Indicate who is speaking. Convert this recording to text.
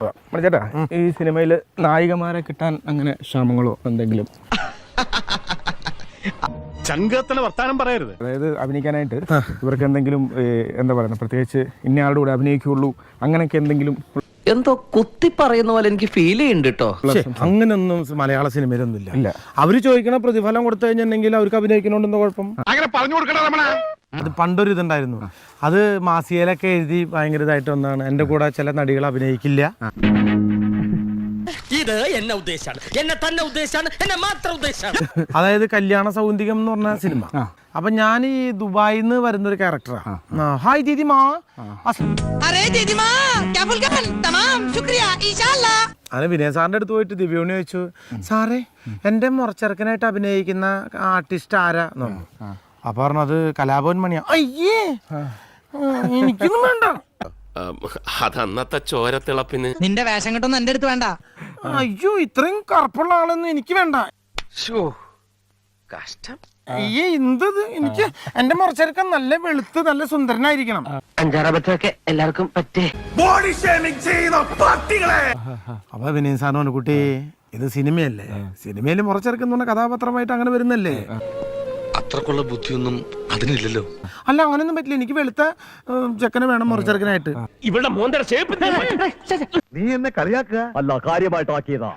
Speaker 1: ചേട്ടാ ഈ സിനിമയിൽ നായികമാരെ കിട്ടാൻ അങ്ങനെ ക്ഷാമങ്ങളോ എന്തെങ്കിലും?
Speaker 2: ചങ്കത്തിന് വർത്താനം പറയരുത്.
Speaker 1: അതായത് അഭിനയിക്കാനായിട്ട് ഇവർക്ക് എന്തെങ്കിലും എന്താ പറയുക, പ്രത്യേകിച്ച് ഇന്നയാളുടെ കൂടെ അഭിനയിക്കുള്ളൂ അങ്ങനെയൊക്കെ എന്തെങ്കിലും?
Speaker 3: എന്തോ കുത്തി പറയുന്ന പോലെ എനിക്ക് ഫീൽ ചെയ്യുന്നുണ്ട് കേട്ടോ.
Speaker 4: അങ്ങനൊന്നും മലയാള സിനിമയിലൊന്നും ഇല്ല. അവര് ചോദിക്കണ പ്രതിഫലം കൊടുത്തു കഴിഞ്ഞിട്ടുണ്ടെങ്കിൽ അവർക്ക് അഭിനയിക്കണോണ്ടെന്തോ കുഴപ്പം?
Speaker 2: അങ്ങനെ പറഞ്ഞു കൊടുക്കണ രമണ.
Speaker 4: അത് പണ്ടൊരു ഇതുണ്ടായിരുന്നു, അത് മാസികയിലൊക്കെ എഴുതി ഭയങ്കര ഇതായിട്ട് ഒന്നാണ്. എന്റെ കൂടെ ചില നടികൾ അഭിനയിക്കില്ല.
Speaker 3: ഇത് എന്നെ ഉദ്ദേശാണ്, എന്നെ തന്നെ ഉദ്ദേശാണ്, എന്നെ മാത്രം ഉദ്ദേശാണ്.
Speaker 4: അതായത് കല്യാണ സൗന്ദര്യം എന്ന് പറഞ്ഞ സിനിമ. അപ്പൊ ഞാൻ ഈ ദുബായിൽ നിന്ന് വരുന്ന ഒരു ക്യാരക്ടറാ. ഹായ് ദീദിമാ. അങ്ങനെ വിനയ സാറിന്റെ അടുത്ത് പോയിട്ട് ദിവ്യോണി ചോദിച്ചു, സാറേ എന്റെ മുറച്ചെറുക്കനായിട്ട് അഭിനയിക്കുന്ന ആർട്ടിസ്റ്റ് ആരാ എന്ന് പറഞ്ഞു. അപ്പൊ പറഞ്ഞത് കലാഭവൻ മണിയാ. അയ്യേ എനിക്കൊന്നും വേണ്ട.
Speaker 5: അതന്നത്തെ ചോരത്തിളപ്പിന്
Speaker 6: നിന്റെ വേഷം കിട്ടൊന്നും എന്റെ അടുത്ത് വേണ്ട.
Speaker 4: അയ്യോ ഇത്രയും കറുപ്പുള്ള ആളൊന്നും എനിക്ക് വേണ്ട.
Speaker 5: കഷ്ടം.
Speaker 4: അയ്യേ എന്തത്, എനിക്ക് എന്റെ മുറച്ചെറുക്കൻ നല്ല വെളുത്ത് നല്ല സുന്ദരനായിരിക്കണം.
Speaker 3: അഞ്ചാറബത്തൊക്കെ എല്ലാവർക്കും പറ്റേ.
Speaker 2: ബോഡി ഷേമിംഗ് ചെയ്യുന്ന പട്ടികളെ.
Speaker 4: അപ്പൊ വിനയൻ സാറിനോട്, കുട്ടി ഇത് സിനിമയല്ലേ, സിനിമയിൽ മുറച്ചെറുക്കൻ എന്ന് പറഞ്ഞ കഥാപാത്രമായിട്ട് അങ്ങനെ വരുന്നല്ലേ.
Speaker 5: അത്രക്കുള്ള ബുദ്ധിയൊന്നും അതിനില്ലല്ലോ.
Speaker 4: അല്ല അങ്ങനെയൊന്നും പറ്റില്ല, എനിക്ക് വെളുത്ത ചെക്കനെ വേണം മുറച്ചെറുക്കനായിട്ട്.
Speaker 2: ഇവളുടെ മോന്തര ഷേപ്പ്.
Speaker 7: നീ എന്നെ കളിയാക്കുക അല്ല, കാര്യമായിട്ടാക്കിയതാ.